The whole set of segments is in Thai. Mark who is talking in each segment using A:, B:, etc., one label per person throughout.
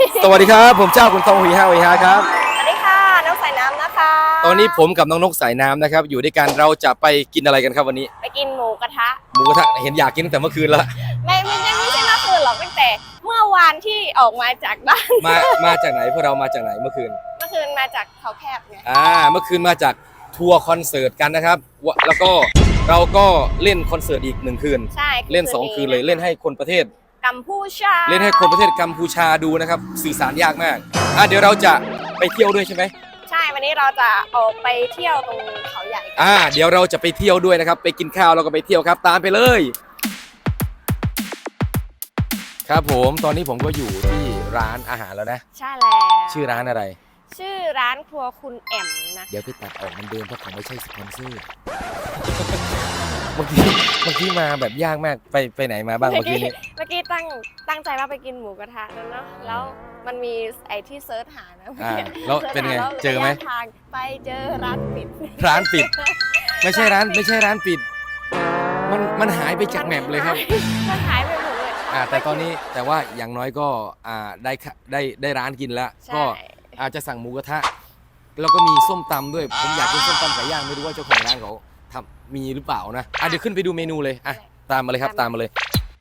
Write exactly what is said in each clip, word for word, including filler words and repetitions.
A: สวัสดีครับผมเจ้าคุณทองหุยฮาหุยฮาครับ
B: สวัสดีค่ะน้องสายน้ำนะคะ
A: ตอนนี้ผมกับน้องนกสายน้ำนะครับอยู่ด้วยกันเราจะไปกินอะไรกันครับวันนี้
B: ไปกินหมูกระทะ
A: หมูกระทะเห็นอยากกินตั้งแต่เมื่อคืนแล้ว
B: ไม่ไม่ใช่ไม่ใช่เมื่อคืนหรอกตั้งแต่เมื่อวานที่ออกมาจากบ้าน
A: มามาจากไหนพวกเรามาจากไหนเมื่อคืน
B: เมื่อคืนมาจากเขาแคบไง
A: อ่าเมื่อคืนมาจากทัวร์คอนเสิร์ตกันนะครับแล้วก็เราก็เล่นคอนเสิร์ตอีกหนึ่งคืน
B: ใช่
A: เล่นสองคืนเลยเล่นให้คนประเทศ
B: กัมพูชา
A: เล่นให้คนประเทศกัมพูชาดูนะครับสื่อสารยากมากอ่ะเดี๋ยวเราจะไปเที่ยวด้วยใช่ไหม
B: ใช่วันนี้เราจะออกไปเที่ยวตรงเขาใหญ่
A: อ่าเดี๋ยวเราจะไปเที่ยวด้วยนะครับไปกินข้าวแล้วก็ไปเที่ยวครับตามไปเลยครับผมตอนนี้ผมก็อยู่ที่ร้านอาหารแล้วนะ
B: ใช่แล้ว
A: ชื่อร้านอะไร
B: ชื่อร้านครัวคุณแอมนะ
A: เดี๋ยวไปตัดออกมันเดินเพราะเขาไม่ใช่สปอนเซอร์เมื่อกี้เมื่อกี้มาแบบยากมากไปไปไหนมาบ้างเมื่อกี้นี้
B: เมื่อกี้ตั้งตั้งใจว่าไปกินหมูกระทะแล้วเนาะแล้วมันมีไอ้ที่เซิร์ชหานะ
A: อ่าแล้วเป็นไงเจอไหม
B: ทางไปเจอร้านปิด
A: ร้านปิดไม่ใช่ร้านไม่ใช่ร้านปิดมันมันหายไปจากแมปเลยครับ
B: มันหายไปหมดเลย
A: อ่าแต่ตอนนี้แต่ว่าอย่างน้อยก็อ่าได้ได้ได้ร้านกินแล้วก็อาจจะสั่งหมูกระทะแล้วก็มีส้มตำด้วยผมอยากกินส้มตำไก่ย่างไม่รู้ว่าเจ้าของร้านเขาทำมีหรือเปล่านะอ่ะเดี๋ยวขึ้นไปดูเมนูเลยอ่ะตามมาเลยครับตามมาเลย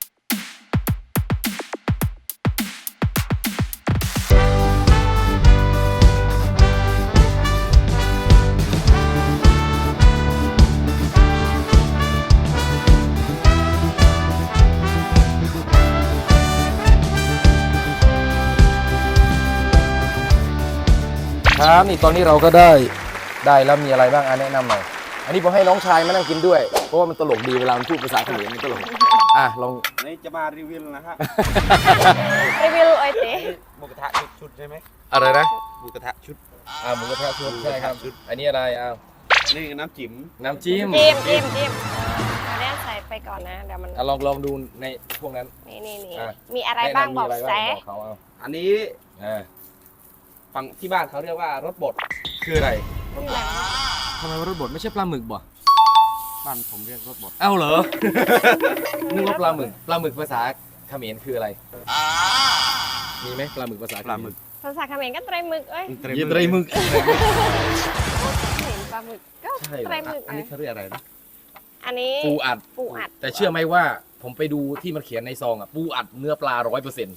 A: ครับนี่ตอนนี้เราก็ได้ได้แล้วมีอะไรบ้างอ่ะแนะนำหน่อยอันนี้ผมให้น้องชายมานั่งกินด้วยเพราะว่ามันตลกดีเวลามันพูดภาษาเขมรมันตลกอ่ะลอง
C: นี่จะมารีวิวนะฮะ
B: รีวิวไอเต้
C: หมูกระทะชุดใช่ไหม
A: อะไรนะ
C: หมูกระทะชุด
A: อ่าหมูกระทะชุดใช่ครับชุดอันนี้อะไรอ้าว
C: นี่น้ำจิ้ม
A: น้ำจิ้ม
B: จิ้มจิ้มจิ้มอันนี้ใส่ไปก่อนนะเดี๋ยวมัน
A: ลองลองดูในพวกนั้น
B: นี่นี่นี่มีอะไรบ้างบอกแซ่
C: อันนี้ฝั่งที่บ้านเขาเรียกว่ารสบด
A: คืออะไรทำไมว่ารสบดไม่ใช่ปลาหมึกบ่
C: บ้านผมเรียกรสบด
A: เอ้าเหรอนึกว่าปลาหมึกปลาหมึกภาษาเขมรคืออะไรมีไหมปลาหมึกภาษา
C: ปลาหมึก
B: ภาษาเขมรก็ไตรหมึกเอ้ย
A: ไตรหมึก
B: เห็นปลาหมึกก็ไตรหมึก
C: อันนี้เขาเรียกอะไรนะ
B: อันนี้
A: ปูอัด
B: ปูอัด
A: แต่เชื่อไหมว่าผมไปดูที่มันเขียนในซองอ่ะปูอัดเนื้อปลาร้อยเปอร์เซ็นต์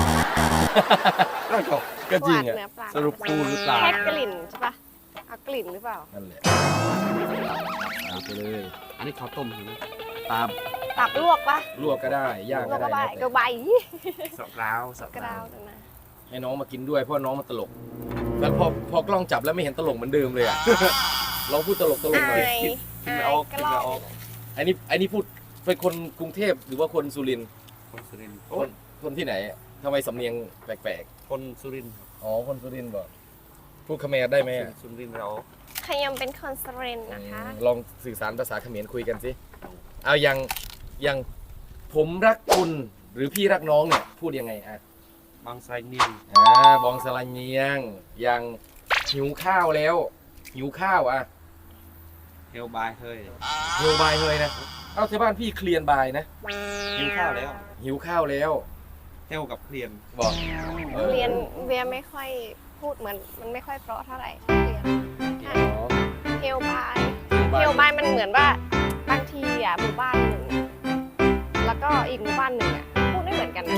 A: ก็จริงอ่ะ
C: สรุปปูหรือปลา
B: แค่กลิ่นใช่ปะเอากลิ่นหรือเปล่า
A: นั่นแหละเอาไปเลย
C: อันนี้ข้าวต้มใช่ไหมตับ
B: ตับลวกปะ
A: ลวกก็ได้ย่างก็ได้
B: ก็ใบ
C: สอบราว
B: สอบราวนะ
A: ให้น้องมากินด้วยเพราะน้องมันตลกแล้วพอพอกล้องจับแล้วไม่เห็นตลกเหมือนเดิมเลยอ่ะลองพูดตลกตลกหน่อย
C: คิดไม่ออกคิดไม่ออก
A: อันนี้อันนี้พูดเป็นคนกรุงเทพหรือว่าคนสุรินทร์
C: คนสุรินทร์
A: คนคนที่ไหนทำไมสำเนียงแปลก
C: ๆคนสุรินทร์
A: อ๋อคนสุรินทร์บอกพูดเขมรได้ไหม
C: สุรินทร์เรา
B: ขยำเป็นคนสุรินทร์นะคะ
A: ลองสื่อสารภาษาเขมรคุยกันสิเอาอย่างอย่างผมรักคุณหรือพี่รักน้องเนี่ยพูดยังไงอ่ะ
C: บางไซเนียง
A: อ่าบองสลายเนียงอย่างหิวข้าวแล้วหิวข้าวอ่ะ
C: เฮลบายเฮ้ย
A: เฮลบายเฮ้ยนะเอาที่บ้านพี่เคลียนบายนะ
C: หิวข้าวแล้ว
A: หิวข้าวแล้ว
C: เฮลกับเคลียน
A: บอก
B: เคลียนเวียไม่ค่อยพูดเหมือนมันไม่ค่อยเพราะเท่าไหร่เคลียนเฮลบายเฮลบายมันเหมือนว่าบางทีอ่ะหมู่บ้านหนึ่งแล้วก็อีกหมู่บ้านหนึ่งอ่ะพูดไม่เหมือนกันนะ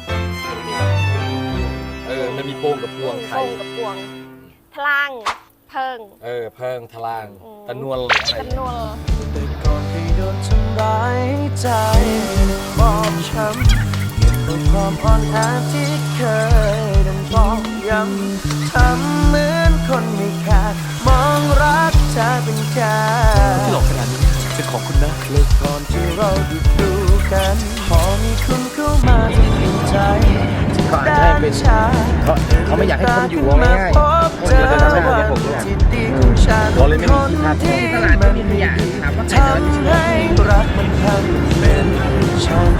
A: เออมันมีโป่งกับพวงไทย
B: โป่งกับพวงพลางเพิง
A: เออเพิงทลางตะนวล
B: ตะนวล
D: แต่ก่อนเคยโดนทำร้ายใจบอบช้ำเก็บเอาความอ่อนแอที่เคยดันบอกย้ำทำเหมือนคนไม่ขาดมองรักเธอเป็นแค่
A: ที่หลอกขนาดนี้เป็นของคุณนะ
D: เลยก่อนที่เราดูดูกันพอมีคุณเข้ามาที่เปลี่ยนใจ
A: เขาอาจจะให้เป็นเขาเขาไม่อยากให้คนอยู่ง่ายๆคนจะทำให้ผมเนี่ยเราเลยไม่มีที่พักที่ตลาดไม่มีขยะถามว่าใครจะรับผิดชอบ
D: รักมันทำเป็นฉัน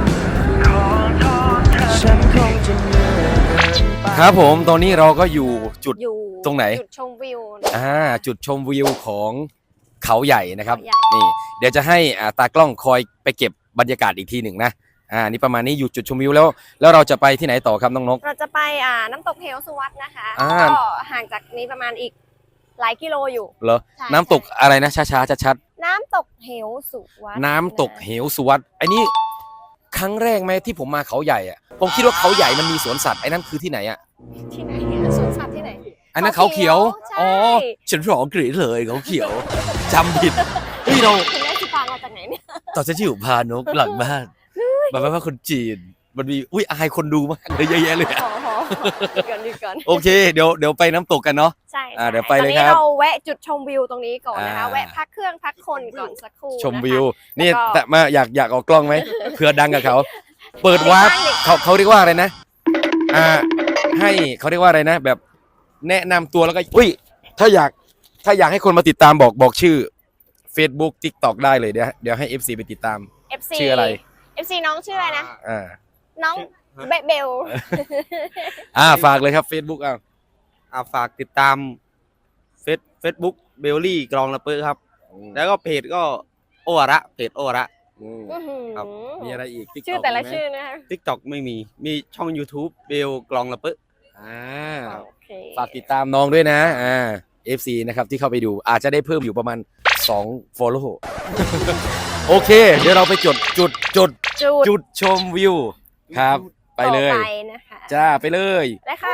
D: ฉันคงจะเหนื่อย
A: ครับผมตอนนี้เราก็อยู่จุดตรงไหน
B: จุดชมวิว
A: อ่าจุดชมวิวของเขาใหญ่นะครับนี่เดี๋ยวจะให้ตากล้องคอยไปเก็บบรรยากาศอีกทีหนึ่งนะอ่านี่ประมาณนี้อยู่จุดชมวิวแล้ว แล้วเราจะไปที่ไหนต่อครับน้องนก
B: เราจะไปอ่าน้ำตกเหวสุวัตนะคะ
A: อ่า
B: ก็ห่างจากนี้ประมาณอีกหลายกิโลอยู่
A: เหรอ
B: ใช่
A: น้ำตกอะไรนะช้าๆชัด
B: น้ำตกเหวสุวัต
A: ๆน้ำตกเหวสุวัตไอ้นี่ครั้งแรกไหมที่ผมมาเขาใหญ่อะผมคิดว่าเขาใหญ่มันมีสวนสัตว์ไอ้นั่นคือที่ไหนอะ
B: ที่ไหนอะสวนสัตว์ที่ไหน
A: อันนั้นเขาเขียว
B: ใช่
A: อ๋อฉันร้องกรีดเลยเขาเขียวจำผิดเฮ้ยเรา
B: คุณได้สิฟังมาจากไหนเนี่ย
A: ตอนฉันอยู่พานกหลังบ้านแบบว่าคนจีนมันมีอุ้ยอายคนดูมากเลยเยอะแยะเลยอะ
B: ขอขอหยุดก่อนหยุดก่อน
A: โอเคเดี๋ยวเดี๋ยวไปน้ำตกกันเนาะ
B: ใช่
A: อ่า
B: ใช่
A: เดี๋ยวไปเลย
B: ตอนนี้
A: ครับ
B: เราแวะจุดชมวิวตรงนี้ก่อนนะคะ
A: อ่า
B: แวะพักเครื่องพักคนก่อนสักครู่
A: ชมวิว
B: นะคะ
A: นี่
B: แล้วก็
A: แต่มาอยากอยากออกกล้องไหมเผื่อดังกับเขา เปิดวาร์ปเขาเขาเรียกว่าอะไรนะ อ่า ให้เขาเรียกว่าอะไรนะ แบบแนะนำตัวแล้วก็อุ้ยถ้าอยากถ้าอยากให้คนมาติดตามบอกบอกชื่อ Facebook TikTok ได้เลยเดี๋ยวเดี๋ยวให้ เอฟ ซี ไปติดตาม
B: เอฟซี
A: ชื่ออะไร
B: เอฟซีน้องชื่ออะไรนะ
A: อ่า
B: น้องเบเบล
A: อ่าฝากเลยครับ Facebook อ่ะ
C: อ่าฝากติดตามเฟซเฟซบุ๊กเบลลี่กรองละเปอครับ แล้วก็เพจก็โอวาระเพจโอวาระ
A: อืม
B: อื้อหือ
C: ครับ
A: มีอะไรอีก TikTok
B: ชื่อแต่ละ
A: มีไหม
B: ชื่อนะคะ
C: TikTok ไม่มีมีช่อง YouTube เบลกรองละเปอ
A: อ่า
B: โอเค
A: ฝากติดตามน้องด้วยนะ อ่า เอฟ ซี นะครับที่เข้าไปดูอาจจะได้เพิ่มอยู่ประมาณสอง follow โอเค เดี๋ยวเราไปจุดจุดจุด
B: จุด
A: จุดชมวิวครับ ไปเลย
B: ต่อไปนะคะ
A: จ้าไปเลย
B: ได้ค่ะ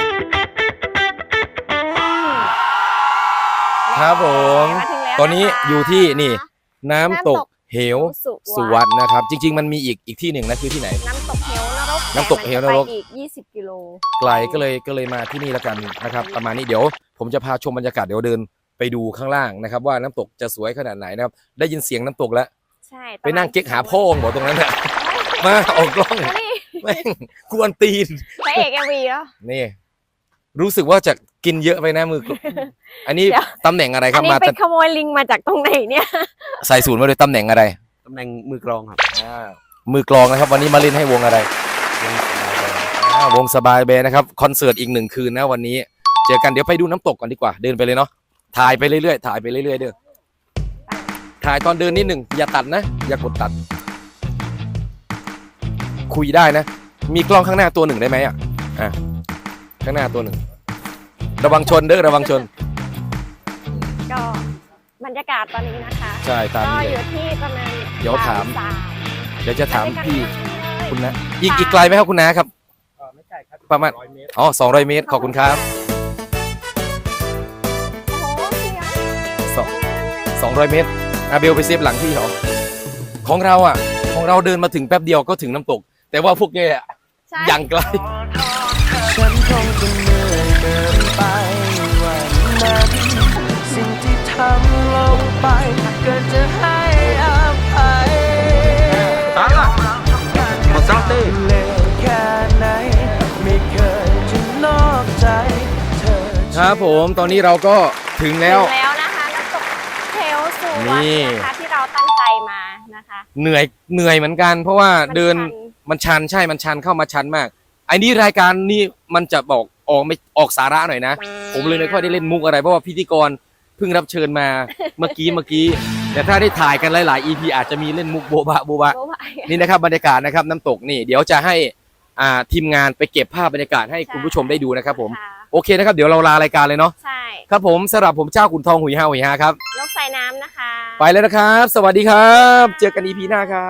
A: ครับผม
B: มาถึงแล้ว
A: ตอนนี้
B: ะคะ
A: อยู่ที่นี่ น้ำตกเหว
B: สุ
A: สุวัตนะครับ จริง ๆ มันมีอีกอีกที่หนึ่งนะคือที่ไหน
B: น้ำตกเหวนรก
A: น้ำตกเหวนรก
B: แต่มัจะไปอีกยี่สิบกิโล
A: ไกลก็เลยก็เลยมาที่นี่แล้วกันนะครับ ประมาณนี้เดี๋ยว ผมจะพาชมบรรยากาศเดี๋ยวเดินไปดูข้างล่างนะครับ ว่าน้ำตกจะสวยขนาดไหนนะครับ ได้ยินเสียงน้ำตกแล้ว
B: ใช่
A: ไปนั่งเก๊กหาพ่อบอกตรงนั้นแหละมาออกกล้อง
B: มาดิ
A: แม่งกวนตีน
B: พระเอกเอ็มวีแล้ว
A: นี่ รู้สึกว่าจะกินเยอะไปนะมือ อันนี้
B: เดี๋ยว
A: ตำแหน่งอะไรค
B: อั
A: รั
B: น
A: บ
B: นี้
A: มา
B: ไปขโมยลิงมาจากตรงไหนเนี่ย
A: ใส่สูตรมาเลยตำแหน่งอะไร
C: ตำแหน่งมือกรองครับ
A: มือกลองนะครับ วันนี้มาเล่นให้วงอะไรอ่าวงสบายแบร์นะครับคอนเสิร์ตอีกหนึ่งคืนนะวันนี้ เจอกันเดี๋ยวไปดูน้ำตกก่อนดีกว่าเดินไปเลยเนาะถ่ายไปเรื่อยๆถ่ายไปเรื่อยๆเด้อถ่ายตอนเดินนิดหนึ่งอย่าตัดนะ อย่ากดตัด คุยได้นะ มีกล้องข้างหน้าตัวหนึ่งได้ไหมอ่ะอ่ะข้างหน้าตัวหนึ่งระวังชนเด้อระวังชน
B: ก็บรรยากาศตอนนี้นะคะ
A: ใช่ตาม
B: ก็
A: นี้
B: อ
A: เลย
B: ยู่ที่ประมาณ
A: เดี๋ยวถาม
B: บ่ส
A: เดี๋ยวจะถาม
B: ไปด้วยกัน
A: พี่
B: เลย
A: คุณนะอีกอีกไกลไหมครับคุณนาครับ
C: ไม่ใช่ครับ
A: ประมาณ
C: ร้อยเมตร
A: อ๋อสองร้อยเมตรขอบคุณครับ
B: โอ้โหเสียง
A: สองสองร้อยเมตรอาเบลไปเซฟหลังพี่เหรอของเราอ่ะ ของเราเดินมาถึงแป๊บเดียวก็ถึงน้ำตก แต่ว่าพวกแกอะ
B: ใช่
A: ยังไกล
D: ฉันคงจะเหนื่อยเกินไปวันนั้นสิ่งที่ทำลงไปก็จะให้อภัย
C: ตายละหมดสองตี
D: เลวแค่ไหนไม่เคยจะนอกใจเธอ
A: ครับผมตอนนี้เราก็ถึงแล้ว
B: ถึงแล้วนะคะน้ำตกเทลสุวั
A: นี่
B: ตนะคะที่เราตั้งใจมานะคะ
A: เหนื่อยเหนื่อยเหมือนกัน เพราะว่า
B: มัน
A: เดิน
B: ชัน
A: มันชันใช่มันชันเข้ามาชันมากไอ้นี่รายการนี้มันจะบอกออกไม่ออกสาระหน่อยนะ ผมเลยไม่ค่อยได้เล่นมุกอะไรเพราะว่าพิธีกรเพิ่งรับเชิญมาเมื่อกี้เมื่อกี้ แต่ถ้าได้ถ่ายกันหลายๆ อี พี อาจจะมีเล่นมุกโบบะโบบะ
B: โอ้ย
A: นี่นะครับบรรยากาศนะครับน้ำตกนี่เดี๋ยวจะให้อ่าทีมงานไปเก็บภาพบรรยากาศให้คุณผู้ชมได้ดูนะครับผม
B: ค่ะ
A: โอเคนะครับเดี๋ยวเราลารายการเลยเนาะ
B: ใช่
A: ครับผมสำหรับผมเจ้าขุนทองหุยฮาหุยฮาครับ
B: นกใส่น้ำนะคะ
A: ไปแล้วนะครับ สวัสดีครับ เจอกัน อี พี หน้าครับ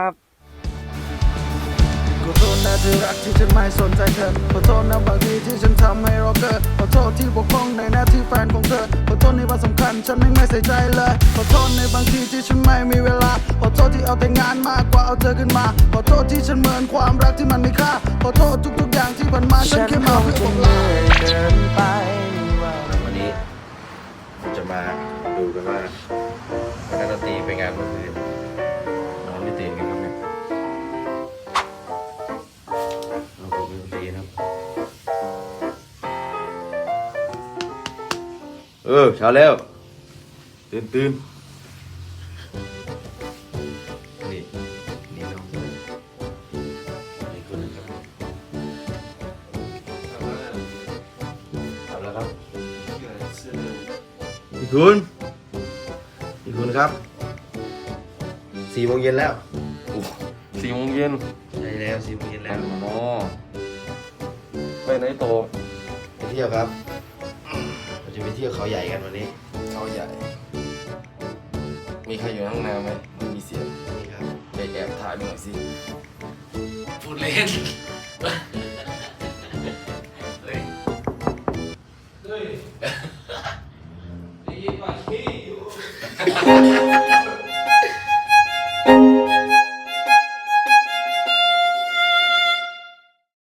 E: ขอโทษนะที่รักที่ฉันไม่สนใจเธอขอโทษนะบางทีที่ฉันทำให้เราเกิดขอโทษที่บกพร่องในหน้าที่แฟนของเธอขอโทษในวันสำคัญฉันไม่ไม่ใส่ใจเลยขอโทษในบางทีที่ฉันไม่มีเวลาขอโทษที่เอาแต่งานมากกว่าเอาเธอขึ้นมาขอโทษที่ฉันเหมือนความรักที่มันไม่ค่าขอโทษทุกๆอย่างที่ผ่านมาฉัน
D: ฉัน
E: แค่
D: ค
E: มาง เพื่อ
D: จะ
E: บอก
D: เหนื่
E: ลา
D: อยเกินไปวัน
A: วันนี้จะมาดูกันว่าคณะดนตรีไปงานเมื่อคืนนอนไม่ตื่นกันครับเนี่ยเอาผมดนตรีครับเออเช้าแล้วตื่นตื่นนี่นี่น้องนี่คนนึงครับเอาแล้วครับพี่คุณพี่คุณครับสี่โมงเย็นแล้วโอ้สี่โมงเย็น
C: ใช่
F: แล้วสี่โมงเย็นแล้ว
A: อ๋อไปไหนโต
F: ไปเที่ยวครับเราจะไปเที่ยวเขาใหญ่กันวันนี้
A: เขาใหญ่ มีใครอยู่ข้างในไหมไม่มีเสียง
F: นี่ครับ
A: ไปแอบถ่ายหน่อยสิพูดเล่นเฮ้ยเฮ้ยได้ยินว่าขี้อยู่